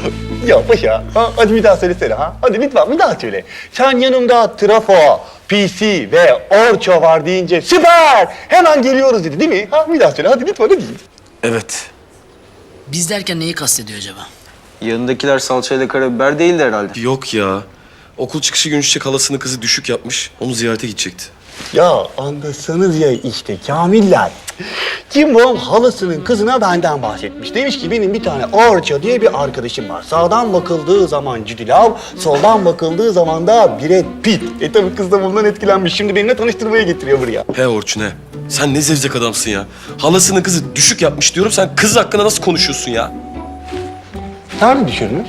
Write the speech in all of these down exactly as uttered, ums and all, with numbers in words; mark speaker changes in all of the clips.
Speaker 1: Ya paşa, ha? Hadi bir daha söylesene ha. Hadi lütfen bir daha söyle. Sen yanımda trafo, P C ve orço var deyince süper! Hemen geliyoruz dedi değil mi? Ha bir daha söyle hadi lütfen hadi.
Speaker 2: Evet.
Speaker 3: Biz derken neyi kastediyor acaba?
Speaker 4: Yanındakiler salçayla karabiber değildi herhalde.
Speaker 2: Yok ya. Okul çıkışı gün çiçek halasının kızı düşük yapmış. Onu ziyarete gidecekti.
Speaker 1: Ya anlasanız ya işte Kamiller. Cimbom halasının kızına benden bahsetmiş. Demiş ki benim bir tane Orço diye bir arkadaşım var. Sağdan bakıldığı zaman Jude Law, soldan bakıldığı zaman da Brad Pitt. E tabii kız da bundan etkilenmiş. Şimdi benimle tanıştırmaya getiriyor buraya.
Speaker 2: He Orçun he. Sen ne zevzek adamsın ya. Halasının kızı düşük yapmış diyorum. Sen kız hakkında nasıl konuşuyorsun ya?
Speaker 1: Sen mi düşürdün?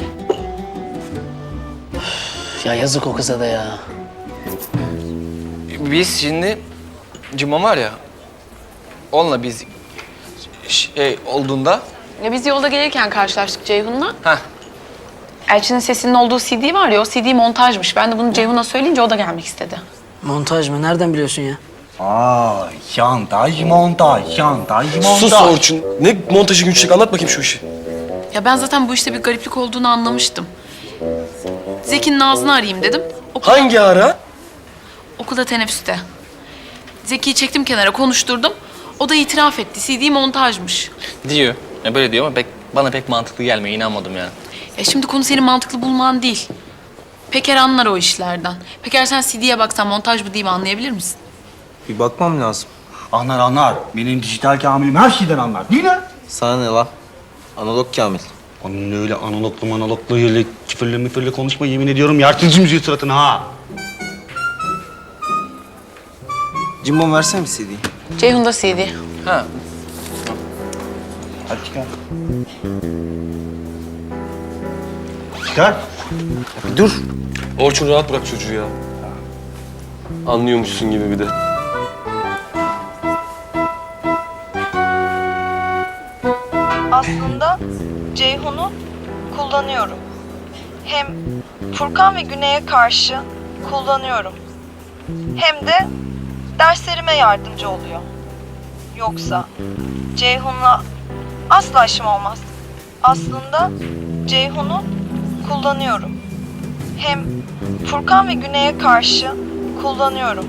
Speaker 3: Ya yazık o kıza da ya.
Speaker 5: Biz şimdi Cimom var ya, onunla biz şey olduğunda...
Speaker 6: Ya biz yolda gelirken karşılaştık Ceyhun'la.
Speaker 5: Heh.
Speaker 6: Elçinin sesinin olduğu C D var ya, o C D montajmış. Ben de bunu Ceyhun'a söyleyince o da gelmek istedi.
Speaker 3: Montaj mı? Nereden biliyorsun ya?
Speaker 1: Aa, şantaj montaj, şantaj montaj.
Speaker 2: Sus Orçun. Ne montajı gün çiçek anlat bakayım şu işi.
Speaker 6: Ya ben zaten bu işte bir gariplik olduğunu anlamıştım. Zeki'nin ağzını arayayım dedim. Okulda,
Speaker 2: Hangi ara?
Speaker 6: okulda teneffüste. Zeki'yi çektim kenara, konuşturdum. O da itiraf etti. C D montajmış.
Speaker 5: Diyor. Ya böyle diyor ama pek, bana pek mantıklı gelmiyor. İnanmadım yani.
Speaker 6: Ya şimdi konu senin mantıklı bulman değil. Peker anlar o işlerden. Peker sen C D'ye baksan montaj mı değil mi anlayabilir misin?
Speaker 4: Bir bakmam lazım.
Speaker 1: Anlar anlar. Benim dijital Kamil'im her şeyden anlar. Değil mi?
Speaker 4: Sana ne lan? Analog Kamil.
Speaker 1: Onun öyle analoglu monologlu öyle küfürlü müfürlü konuşma yemin ediyorum yersiz müziği suratına ha.
Speaker 4: Cimbom versene bir C D'yi.
Speaker 6: Ceyhun'da C D.
Speaker 5: Ha.
Speaker 1: Hadi çıkar. Çıkar.
Speaker 4: Dur.
Speaker 2: Orçun rahat bırak çocuğu ya. Anlıyormuşsun gibi bir de.
Speaker 7: Aslında Ceyhun'u kullanıyorum. Hem Furkan ve Güney'e karşı kullanıyorum. Hem de derslerime yardımcı oluyor. Yoksa Ceyhun'la asla işim olmaz. Aslında Ceyhun'u kullanıyorum. Hem Furkan ve Güney'e karşı kullanıyorum.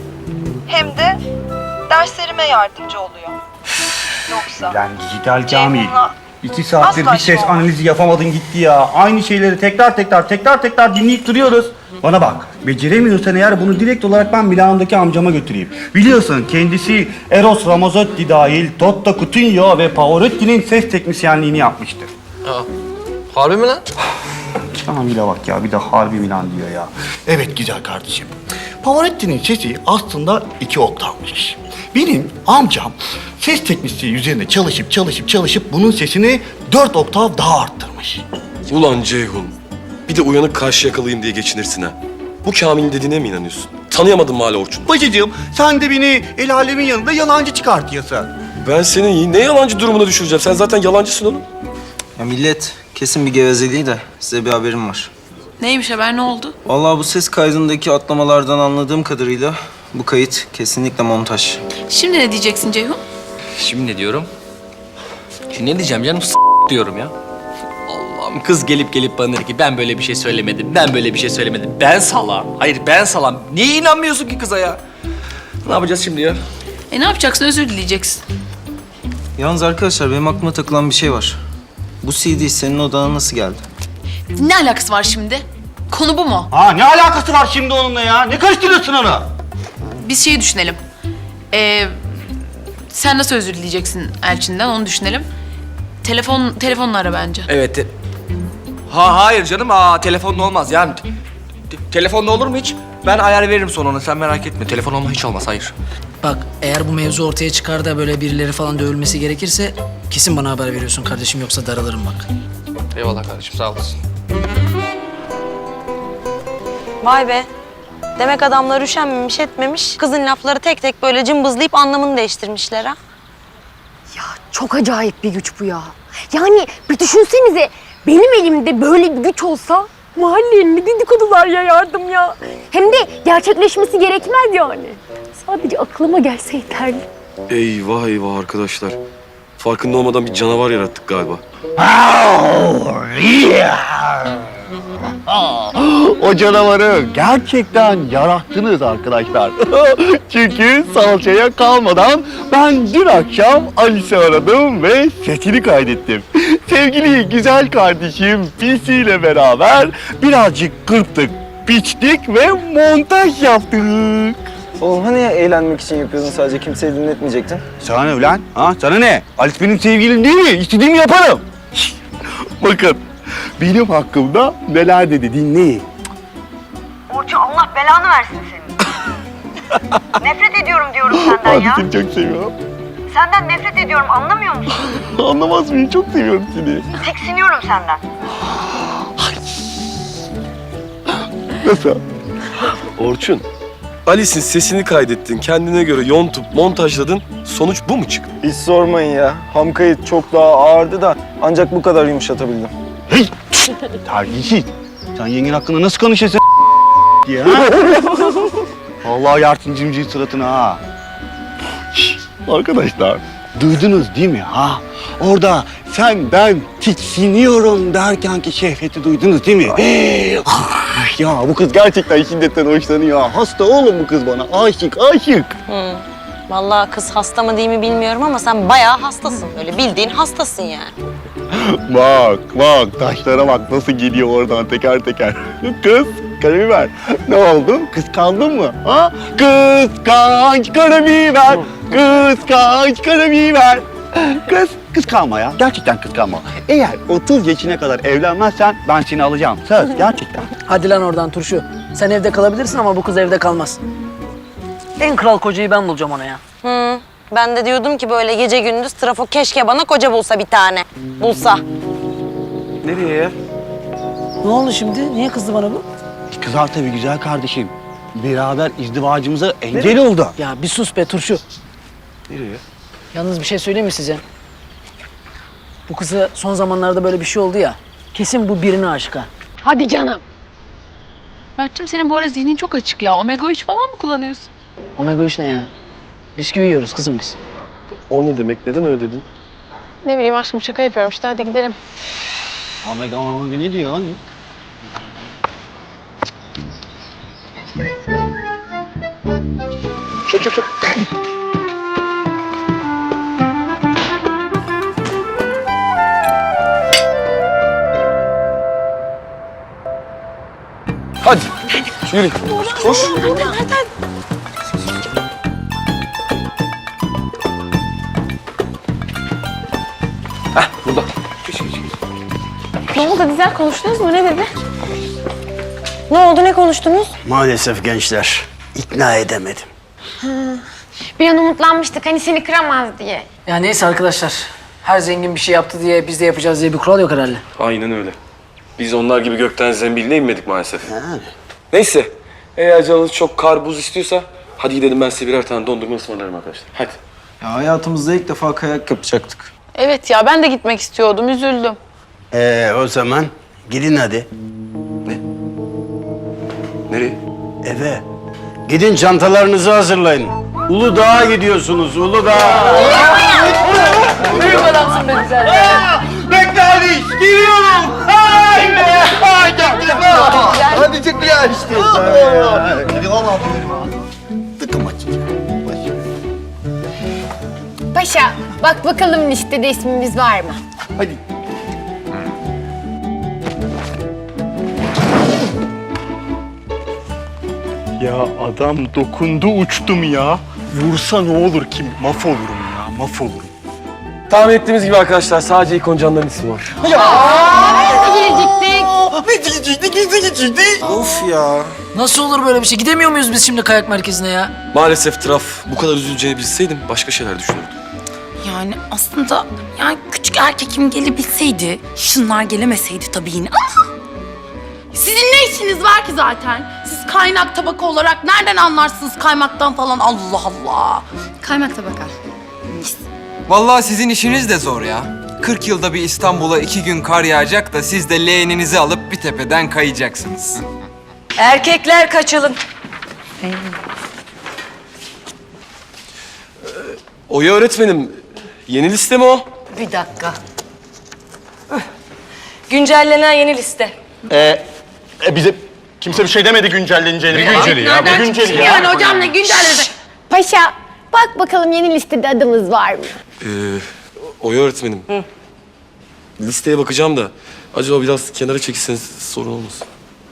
Speaker 7: Hem de derslerime yardımcı oluyor. Yoksa
Speaker 1: Lan dijital Kamil.
Speaker 7: Ceyhun'la
Speaker 1: İki saattir
Speaker 7: asla
Speaker 1: bir ses
Speaker 7: işim olmaz.
Speaker 1: analizi yapamadın gitti ya. Aynı şeyleri tekrar tekrar tekrar tekrar dinleyip duruyoruz. Bana bak, beceremiyorsan eğer bunu direkt olarak ben Milano'daki amcama götüreyim. Biliyorsun kendisi Eros Ramazzotti dahil Totta Cutugno ve Pavarotti'nin ses teknisyenliğini yapmıştır.
Speaker 5: Aa. Harbi mi lan?
Speaker 1: Kamil'e bak ya, bir de harbi Milan diyor ya. Evet güzel kardeşim. Pavarotti'nin sesi aslında iki oktavmış. Benim amcam ses teknisyeni üzerine çalışıp çalışıp çalışıp bunun sesini dört oktav daha arttırmış.
Speaker 2: Ulan Ceyhun. Bir de uyanık karşı yakalayayım diye geçinirsin ha. Bu Kamil'in dediğine mi inanıyorsun? Tanıyamadın mı hala Orçun'u?
Speaker 1: Bacıcığım sen de beni el alemin yanında yalancı çıkartıyorsun.
Speaker 2: Ben senin ne yalancı durumuna düşüreceğim. Sen zaten yalancısın oğlum.
Speaker 4: Ya millet kesin bir gevezeliği de size bir haberim var.
Speaker 6: Neymiş haber, ne oldu?
Speaker 4: Vallahi bu ses kaydındaki atlamalardan anladığım kadarıyla bu kayıt kesinlikle montaj.
Speaker 6: Şimdi ne diyeceksin Ceyhun?
Speaker 5: Şimdi ne diyorum? Şimdi ne diyeceğim canım? S diyorum ya. Allah'ım kız gelip gelip bana dedi ki ben böyle bir şey söylemedim, ben böyle bir şey söylemedim. Ben salam. Hayır ben salam. Niye inanmıyorsun ki kıza ya? Ne yapacağız şimdi ya?
Speaker 6: E ne yapacaksın, özür dileyeceksin.
Speaker 4: Yalnız arkadaşlar benim aklıma takılan bir şey var. Bu C D senin odana nasıl geldi?
Speaker 6: Ne alakası var şimdi? Konu bu mu?
Speaker 1: Ha ne alakası var şimdi onunla ya? Ne karıştırıyorsun onu?
Speaker 6: Biz şeyi düşünelim. Ee, sen nasıl özür dileyeceksin Elçin'den, onu düşünelim. Telefon, telefonla ara bence.
Speaker 5: Evet. te- Ha hayır canım. Aa telefonla olmaz yani. Te- telefonla olur mu hiç? Ben ayar veririm sonra ona. Sen merak etme. Telefon olma hiç olmaz. Hayır.
Speaker 3: Bak eğer bu mevzu ortaya çıkar da böyle birileri falan dövülmesi gerekirse kesin bana haber veriyorsun kardeşim, yoksa daralırım bak.
Speaker 5: Eyvallah kardeşim. Sağ olasın.
Speaker 7: Vay be. Demek adamlar üşenmemiş etmemiş. Kızın lafları tek tek böyle cımbızlayıp anlamını değiştirmişler ha.
Speaker 8: Ya çok acayip bir güç bu ya. Yani bir düşünsenize, benim elimde böyle bir güç olsa mahallenin ne dedikodular yayardım ya. Hem de gerçekleşmesi gerekmez yani. Sadece aklıma gelse yeterli.
Speaker 2: Eyvah eyvah arkadaşlar. Farkında olmadan bir canavar yarattık galiba.
Speaker 1: O canavarı gerçekten yarattınız arkadaşlar. Çünkü salçaya kalmadan ben dün akşam Alice'i aradım ve sesini kaydettim. Sevgili güzel kardeşim Pisi ile beraber birazcık kırptık, biçtik ve montaj yaptık.
Speaker 4: Oğlum hani eğlenmek için yapıyordun, sadece kimseyi dinletmeyecektin?
Speaker 1: Sana ne ulan? Ha? Sana ne? Alice benim sevgilim değil mi? İstediğimi yaparım. Bakın, benim hakkımda neler dedi dinleyin.
Speaker 7: Orçu Allah belanı versin senin. Nefret ediyorum diyorum senden ya.
Speaker 1: Seni çok seviyorum.
Speaker 7: Senden nefret ediyorum anlamıyor musun?
Speaker 1: Anlamaz mıyım? Çok seviyorum seni.
Speaker 7: Tiksiniyorum senden.
Speaker 1: Nasıl?
Speaker 2: Orçun, Alice'in sesini kaydettin, kendine göre yontup montajladın. Sonuç bu mu çıktı?
Speaker 4: Hiç sormayın ya. Ham kayıt çok daha ağırdı da ancak bu kadar yumuşatabildim.
Speaker 1: Hey! Terbiyesiz. Sen yengen hakkında nasıl konuşuyorsun diye ha? Vallahi yarsın cimciğin suratına ha. Şşş, arkadaşlar, duydunuz değil mi ha? Orada sen ben tiksiniyorum derken ki şehveti duydunuz değil mi? Ah, ya bu kız gerçekten şiddetten hoşlanıyor. Hasta oğlum bu kız bana. Aşık, aşık.
Speaker 7: Hı. Vallahi kız hasta mı değil mi bilmiyorum ama sen bayağı hastasın. Öyle bildiğin hastasın yani.
Speaker 1: Bak, bak taşlara bak nasıl geliyor oradan teker teker. Kız, karabiber. Ne oldu? Kıskandın mı? Ha? Kıskanç karabiber. Kıskanç karabiber. Kız, kıskanma ya. Gerçekten kıskanma. Eğer otuz yaşına kadar evlenmezsen ben seni alacağım. Söz, gerçekten.
Speaker 3: Hadi lan oradan turşu. Sen evde kalabilirsin ama bu kız evde kalmaz. En kral kocayı ben bulacağım ona ya.
Speaker 7: Hı. Ben de diyordum ki böyle gece gündüz trafo keşke bana koca bulsa bir tane. Bulsa.
Speaker 4: Nereye ya?
Speaker 3: Ne oldu şimdi? Niye kızdı bana bu?
Speaker 1: Kızar tabii güzel kardeşim. Beraber izdivacımıza engel oldu.
Speaker 3: Ya bir sus be turşu.
Speaker 2: Nereye?
Speaker 3: Yalnız bir şey söyleyeyim mi size? Bu kızı son zamanlarda böyle bir şey oldu ya. Kesin bu birine aşık ha.
Speaker 8: Hadi canım.
Speaker 6: Mert'cim senin bu ara zihnin çok açık ya. Omega üç falan mı kullanıyorsun?
Speaker 3: Omega üç ne ya? Bisküvi yiyoruz kızım biz.
Speaker 2: O ne demek? Neden öyle dedin?
Speaker 8: Ne bileyim aşkım şaka yapıyorum işte hadi gidelim.
Speaker 1: Omega omega ne diyor lan?
Speaker 2: Hadi, yürü. Koş. Heh, burada. Geç, geç, geç.
Speaker 8: Ne oldu Dizel konuştunuz mu ne dedi?
Speaker 7: Ne oldu ne konuştunuz?
Speaker 1: Maalesef gençler ikna edemedim.
Speaker 8: Bir an umutlanmıştık hani seni kıramaz diye.
Speaker 3: Ya neyse arkadaşlar. Her zengin bir şey yaptı diye biz de yapacağız diye bir kural yok herhalde.
Speaker 2: Aynen öyle. Biz onlar gibi gökten zembiline inmedik maalesef.
Speaker 1: Yani.
Speaker 2: Neyse, eğer canınız çok kar buz istiyorsa hadi gidelim, ben size birer tane dondurma ısmarlarım arkadaşlar. Hadi.
Speaker 4: Ya hayatımızda ilk defa kayak yapacaktık.
Speaker 6: Evet ya ben de gitmek istiyordum. Üzüldüm.
Speaker 1: Ee, o zaman gidin hadi
Speaker 2: Nereye?
Speaker 1: eve. Gidin çantalarınızı hazırlayın. Uludağ'a gidiyorsunuz, Uludağ'a.
Speaker 3: Büyük adamsın be güzel.
Speaker 1: Bekle Ali, geliyorum. Haydi, haydi. Hadi çık ya işte. Hadi valla tıkım açacağım.
Speaker 8: Paşa bak bakalım listede ismimiz var mı?
Speaker 1: Hadi. Ya adam dokundu uçtum ya. Vursa ne olur ki? Mahvolurum ya, mahvolurum.
Speaker 2: Tahmin ettiğimiz gibi arkadaşlar, sadece ikon canların ismi var.
Speaker 8: Gelecektik.
Speaker 4: Of ya.
Speaker 3: Nasıl olur böyle bir şey? Gidemiyor muyuz biz şimdi kayak merkezine ya?
Speaker 2: Maalesef Traf, bu kadar üzüleceğini bilseydim başka şeyler düşünürdüm.
Speaker 9: Yani aslında yani küçük erkekim gelebilseydi, şunlar gelemeseydi tabii yine ama... Sizin ne işiniz var ki zaten? Siz kaynak tabaka olarak nereden anlarsınız kaymaktan falan? Allah Allah. Kaymak tabaka.
Speaker 10: Vallahi sizin işiniz de zor ya. kırk yılda bir İstanbul'a iki gün kar yağacak da siz de leğeninizi alıp bir tepeden kayacaksınız.
Speaker 7: Erkekler kaçalım.
Speaker 2: Oya öğretmenim, yeni liste mi o?
Speaker 7: Bir dakika. Güncellenen yeni liste.
Speaker 1: Ee, e, bize kimse bir şey demedi güncelleneceğini. Günceli ya. Bu günceli ya.
Speaker 9: Yani hocam ne güncelledi?
Speaker 8: Paşa, bak bakalım yeni listede adımız var mı?
Speaker 2: Ee, Oya öğretmenim. Listeye bakacağım da acaba biraz kenara çekilseniz sorun olmasın.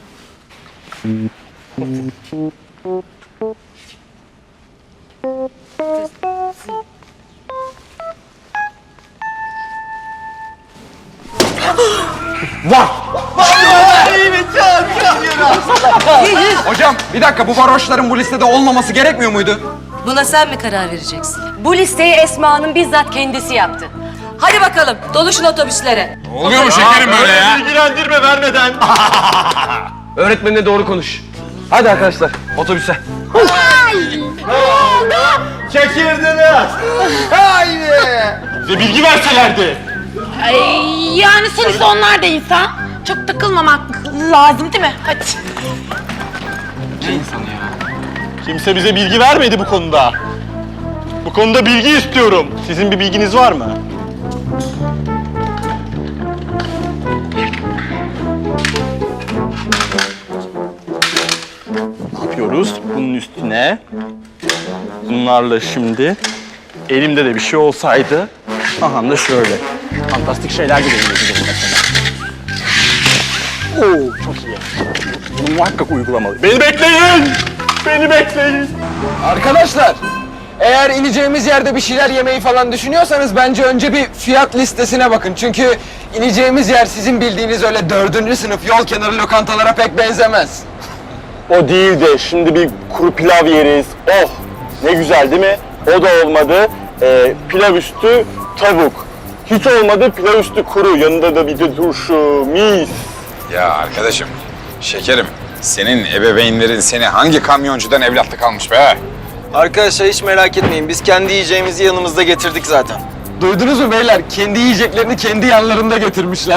Speaker 10: Hocam bir dakika, bu varoşların bu listede olmaması gerekmiyor muydu?
Speaker 7: Buna sen mi karar vereceksin? Bu listeyi Esma'nın bizzat kendisi yaptı. Hadi bakalım, doluşun otobüslere.
Speaker 10: Oluyor mu şekerim böyle ya?
Speaker 1: Bilgilendirme vermeden.
Speaker 2: Öğretmenine doğru konuş. Hadi arkadaşlar otobüse.
Speaker 1: Çekirdiniz. Haydi. Bize bilgi verselerdi.
Speaker 9: Ay, yani sonuçta onlar da insan. Çok takılmamak lazım değil mi? Hadi.
Speaker 1: Kimse bize bilgi vermedi bu konuda. Bu konuda bilgi istiyorum. Sizin bir bilginiz var mı? Ne yapıyoruz? Bunun üstüne bunlarla şimdi elimde de bir şey olsaydı aha da şöyle fantastik şeyler gidebilirdi mesela. Oo çok iyi. Bunu muhakkak uygulamalı. Beni bekleyin! Beni bekleyin!
Speaker 10: Arkadaşlar, eğer ineceğimiz yerde bir şeyler yemeyi falan düşünüyorsanız bence önce bir fiyat listesine bakın. Çünkü ineceğimiz yer sizin bildiğiniz öyle dördüncü sınıf yol kenarı lokantalara pek benzemez.
Speaker 1: O değil de şimdi bir kuru pilav yeriz. Oh! Ne güzel değil mi? O da olmadı. Ee, pilav üstü tavuk. Hiç olmadı pilav üstü kuru. Yanında da bir de turşu, mis.
Speaker 11: Ya arkadaşım, şekerim, senin ebeveynlerin seni hangi kamyoncudan evlatlık almış be?
Speaker 4: Arkadaşlar hiç merak etmeyin. Biz kendi yiyeceğimizi yanımızda getirdik zaten.
Speaker 10: Duydunuz mu beyler? Kendi yiyeceklerini kendi yanlarında getirmişler.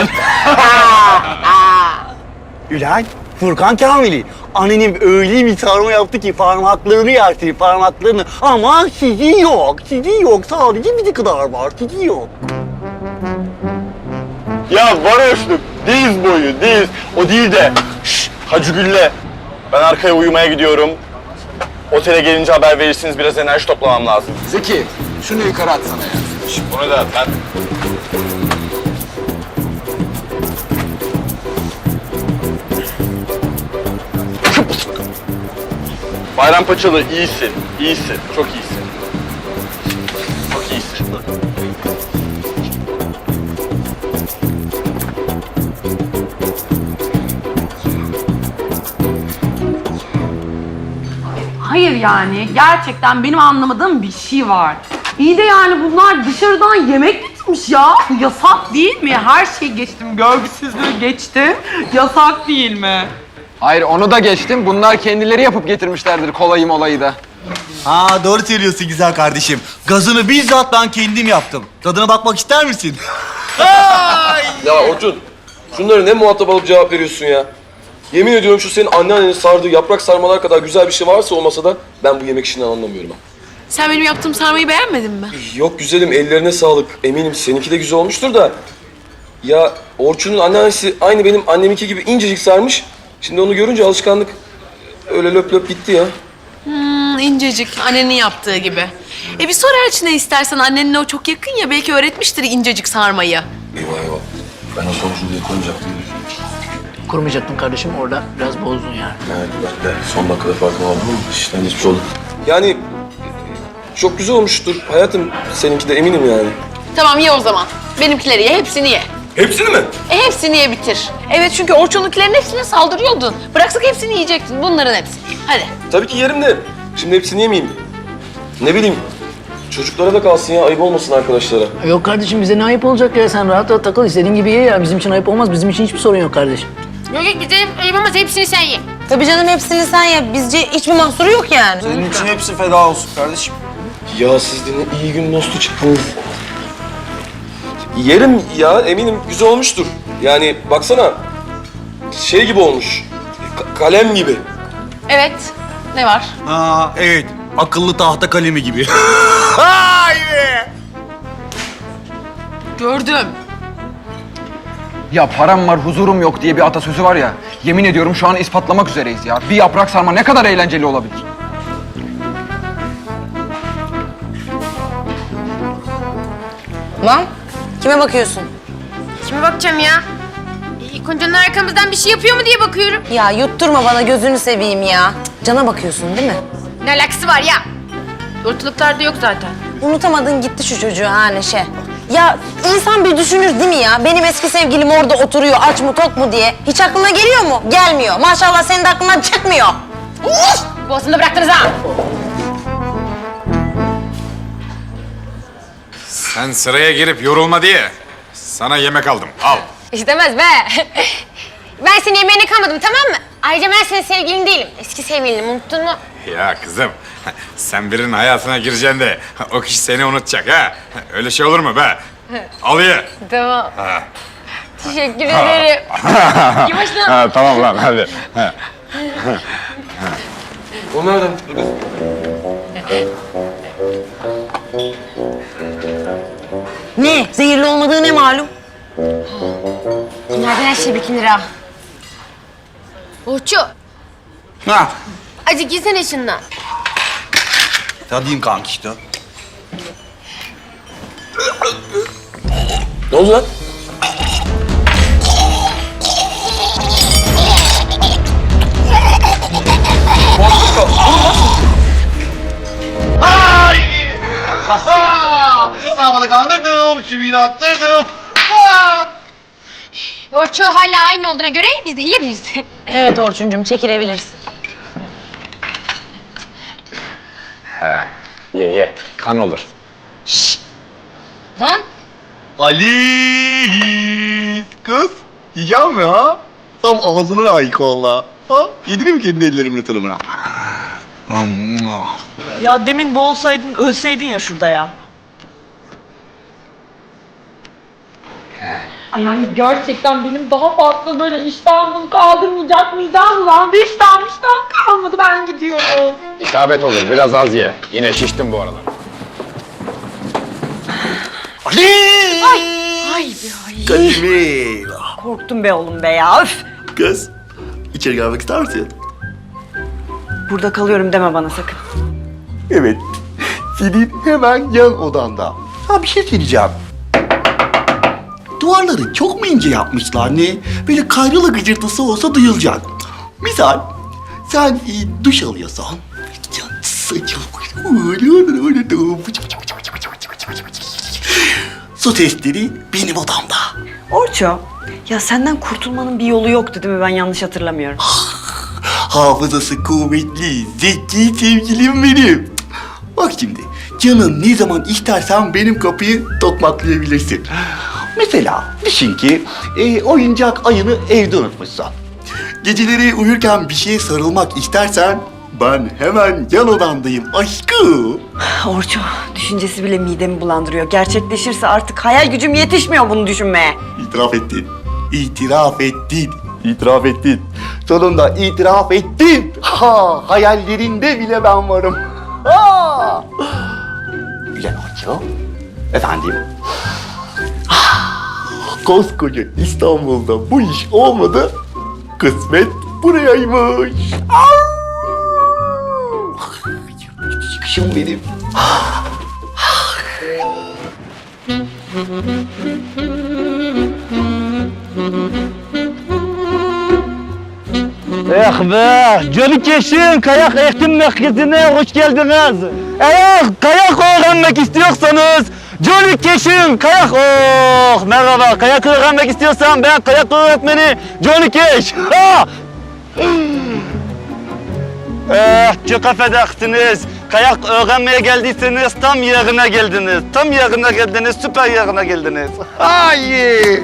Speaker 1: Ulan Furkan Kamili. Annenim öyle bir sarma yaptı ki parmaklarını yersin parmaklarını. Ama sizi yok. Sizi yok. Sadece bize kadar var. Sizi yok. Ya varoşluk. Diz boyu diz. O değil de. Şşş Hacı Gülle. Ben arkaya uyumaya gidiyorum. Otele gelince haber verirsiniz. Biraz enerji toplamam lazım.
Speaker 10: Zeki, şunu yukarı atsana ya.
Speaker 1: Şşş bunu da at lan. Bayrampaçalı iyisin, iyisin, çok iyisin. Çok iyisin.
Speaker 9: Hayır yani gerçekten benim anlamadığım bir şey var. İyi de yani bunlar dışarıdan yemek getirmiş ya. Bu yasak değil mi? Her şeyi geçtim, görgüsüzlüğü geçtim. Yasak değil mi?
Speaker 10: Hayır, onu da geçtim. Bunlar kendileri yapıp getirmişlerdir kolayı molayı da.
Speaker 12: Ha doğru söylüyorsun güzel kardeşim. Gazını bizzat ben kendim yaptım. Tadına bakmak ister misin?
Speaker 2: Ya Orçun, şunları ne muhatap alıp cevap veriyorsun ya? Yemin ediyorum şu senin anneannenin sardığı yaprak sarmalar kadar güzel bir şey varsa o masada ben bu yemek işini anlamıyorum ha.
Speaker 6: Sen benim yaptığım sarmayı beğenmedin mi?
Speaker 2: Yok güzelim, ellerine sağlık. Eminim seninki de güzel olmuştur da. Ya Orçun'un anneannesi aynı benim anneminki gibi incecik sarmış. Şimdi onu görünce alışkanlık öyle löp löp gitti ya.
Speaker 6: Hmm, incecik. Annenin yaptığı gibi. E bir sor Elçin'e istersen. Annenle o çok yakın ya. Belki öğretmiştir incecik sarmayı.
Speaker 2: Eyvah eyvah. Ben o sonucu diye koyacaktım.
Speaker 3: Kurmayacaktın kardeşim orada biraz bozdun yani.
Speaker 2: Evet ben de son dakikada farkına vardım ama işten geçmiş oldum. Yani çok güzel olmuştur hayatım, seninki de eminim yani.
Speaker 6: Tamam ye o zaman. Benimkileri ye. Hepsini ye.
Speaker 2: Hepsini mi?
Speaker 6: E hepsini ye bitir. Evet çünkü Orçun'unkilerin hepsine saldırıyordun. Bıraksak hepsini yiyecektin. Bunların hepsini. Hadi.
Speaker 2: Tabii ki yerim de. Şimdi hepsini yemeyeyim. Ne bileyim. Çocuklara da kalsın ya, ayıp olmasın arkadaşlara.
Speaker 3: Yok kardeşim bize ne ayıp olacak ya sen rahat rahat takıl istediğin gibi ye ya. Bizim için ayıp olmaz bizim için hiçbir sorun yok kardeşim.
Speaker 9: Yok yok bize ayıpamaz, hepsini sen ye.
Speaker 7: Tabii canım hepsini sen ye. Bizce hiçbir mahsuru yok yani.
Speaker 4: Senin için hepsi feda olsun kardeşim.
Speaker 2: Ya siz de ne iyi gün dostu çıktınız. Yerim ya, eminim güzel olmuştur. Yani baksana, şey gibi olmuş, ka- kalem gibi.
Speaker 6: Evet. Ne var?
Speaker 12: Ha evet. Akıllı tahta kalemi gibi. Haydi.
Speaker 6: Gördüm.
Speaker 10: Ya param var, huzurum yok diye bir atasözü var ya. Yemin ediyorum şu an ispatlamak üzereyiz ya. Bir yaprak sarma ne kadar eğlenceli olabilir?
Speaker 7: Lan kime bakıyorsun?
Speaker 9: Kime bakacağım ya? İlk önce arkamızdan bir şey yapıyor mu diye bakıyorum.
Speaker 7: Ya yutturma bana gözünü seveyim ya. Cık, Cana bakıyorsun değil mi?
Speaker 9: Ne alakası var ya?
Speaker 6: Ortalıklarda yok zaten.
Speaker 7: Unutamadın gitti şu çocuğu ha Neşe. Ya insan bir düşünür değil mi ya? Benim eski sevgilim orada oturuyor aç mı tok mu diye. Hiç aklına geliyor mu? Gelmiyor. Maşallah senin de aklından çıkmıyor. Uf!
Speaker 9: Boğazını bıraktınız ha.
Speaker 11: Sen sıraya girip yorulma diye sana yemek aldım. Al.
Speaker 8: İstemez be. Ben senin yemeğine kalmadım tamam mı? Ayrıca ben senin sevgilin değilim. Eski sevgilinim unuttun mu?
Speaker 11: Ya kızım, sen birinin hayatına gireceksin de o kişi seni unutacak ha. Öyle şey olur mu be? Al ye.
Speaker 8: Tamam.
Speaker 11: Ha.
Speaker 8: Teşekkür ederim. Yavaşla.
Speaker 11: Ha, tamam lan hadi. Ha.
Speaker 2: O nereden?
Speaker 7: Ne? Zehirli olmadığı ne malum?
Speaker 8: Bunlardan her şey bikinir ha. Orçu.
Speaker 12: Ha.
Speaker 8: Acık yesene şundan.
Speaker 12: Tadayım kanka işte.
Speaker 2: Ne oldu lan?
Speaker 1: Sağmalı kandırdım, çivini attırdım.
Speaker 8: Orçu hala aynı olduğuna göre biz de yiyebiliriz.
Speaker 7: Evet Orçuncum çekilebilirsin.
Speaker 11: Ye ye, kan olur.
Speaker 8: Lan.
Speaker 1: Ali kız, yiyeceğim mi ha? Tam ağzına layık valla. Ha? Yedin mi kendi ellerimin tadımına?
Speaker 13: Ya demin boğulsaydın, ölseydin ya şurada ya. Ay yani gerçekten benim daha farklı böyle iştahımı kaldırmayacak midem lan. Bir iştahım iştahım kalmadı, ben gidiyorum.
Speaker 11: İsabet olur, biraz az ye. Yine şiştim bu aralar.
Speaker 1: Ali!
Speaker 13: Ay be ay.
Speaker 1: Kalimim.
Speaker 13: Korktum be oğlum be ya, öf.
Speaker 1: Kız, içeri gelmek ister misin?
Speaker 13: Burada kalıyorum deme bana sakın.
Speaker 1: Evet, senin hemen yan odanda. Ha bir şey söyleyeceğim. Duvarları çok mu ince yapmışlar ne? Böyle kayrılı gıcırtısı olsa duyulacak. Misal, sen e, duş alıyorsan... Su testleri benim odamda.
Speaker 13: Orço, ya senden kurtulmanın bir yolu yoktu değil mi? Ben yanlış hatırlamıyorum.
Speaker 1: Hafızası kuvvetli, zeki sevgilim benim. Bak şimdi, canın ne zaman istersen benim kapıyı tokmaklayabilirsin. Mesela düşün ki e, oyuncak ayını evde unutmuşsun. Geceleri uyurken bir şeye sarılmak istersen ben hemen yan odandayım aşkım.
Speaker 13: Orço, düşüncesi bile midemi bulandırıyor. Gerçekleşirse artık hayal gücüm yetişmiyor bunu düşünmeye.
Speaker 1: İtiraf ettin. İtiraf ettin. İtiraf ettin. Sonunda itiraf ettin. Ha, hayallerinde bile ben varım. Ha. Güzel Orço. Efendim. Ah, koskoca İstanbul'da bu iş olmadı. Kısmet burayaymış. Ah. Çıkışım benim.
Speaker 14: Eh be, Johnny Cash'in kayak eğitim merkezine hoş geldiniz. Eğer kayak öğrenmek istiyorsanız Johnny Cash'in kayak... Oh, merhaba, kayak öğrenmek istiyorsan ben kayak öğretmeni Johnny Cash. Ha! Eh, çok affedersiniz. Kayak öğrenmeye geldiyseniz tam yerine geldiniz. Tam yerine geldiniz, süper yerine geldiniz. Ay!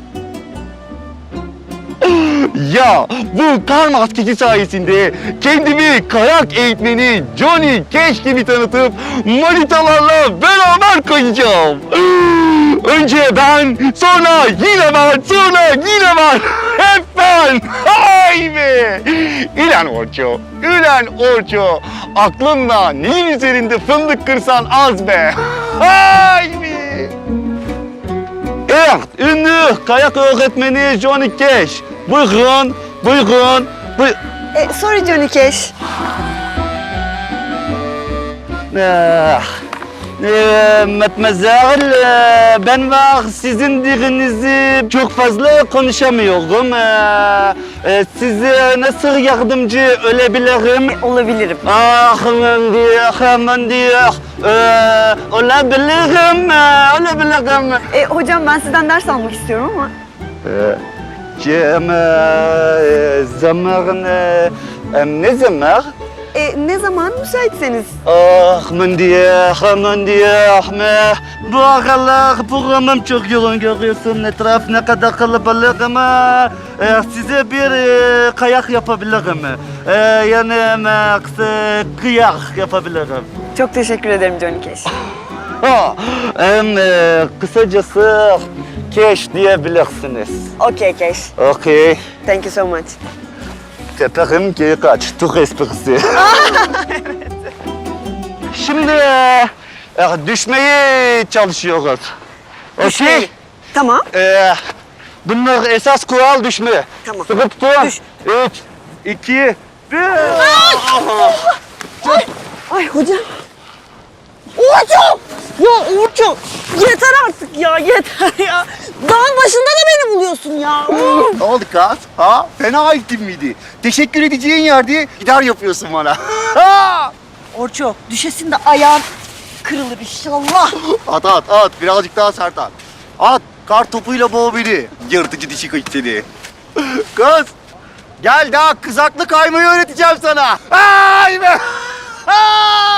Speaker 14: Ya bu kar maskesi sayesinde kendimi kayak eğitmeni Johnny Cash gibi tanıtıp manitalarla beraber kayacağım. Önce ben, sonra yine ben, sonra yine ben. Hep ben. Hay be. Ülen Orço, ülen Orço. Aklınla neyin üzerinde fındık kırsan az be. Hay be. Evet, ünlü kayak öğretmeni Johnny Cash. Buyurun, buyurun, buyurun.
Speaker 7: E, sorry Johnny Cash.
Speaker 14: Ah, e, Matmazel, e, ben var sizin dilinizi çok fazla konuşamıyorum. E, e, size nasıl yardımcı olabilirim?
Speaker 7: Olabilirim.
Speaker 14: Ah, aman diyor, aman diyor. E, olabilirim, e, olabilirim.
Speaker 7: E, hocam ben sizden ders almak istiyorum ama.
Speaker 14: E, Cem, e, zaman, e, e, ne zaman?
Speaker 7: E, ne zaman müsaitseniz.
Speaker 14: Ah, aman diyor, aman diyor. Bu aralar programım çok yoğun görüyorsun. Etraf ne kadar kalabalık ama e, size bir e, kayak yapabilirim. E, yani max e, kıyak yapabilirim.
Speaker 7: Çok teşekkür ederim Johnny Cash.
Speaker 14: Ha, em, e, kısacası Cash diyebilirsiniz.
Speaker 7: Okay Cash.
Speaker 14: Okey.
Speaker 7: Thank you so much.
Speaker 14: Teperim ki kaç, Türk esprisi. Şimdi e, e, düşmeyi çalışıyoruz. Okey?
Speaker 7: Tamam.
Speaker 14: E, bunlar esas kural düşme.
Speaker 7: Tamam.
Speaker 14: Sıkı tutun.
Speaker 7: Düş.
Speaker 14: Üç, iki, bir.
Speaker 7: Ay hocam. Hocam! Ya Orçun yeter artık ya yeter ya. Dağın başında da beni buluyorsun ya.
Speaker 14: Ne oldu kız? Ha? Fena gittin miydi? Teşekkür edeceğin yerde gider yapıyorsun bana. Ha!
Speaker 7: Orço düşesin de ayağın kırılır inşallah.
Speaker 14: At at at, birazcık daha sert at. At, kar topuyla boğ beni. Yırtıcı dişi kız seni. Kız, gel daha kızaklı kaymayı öğreteceğim sana. Ay be! Ay!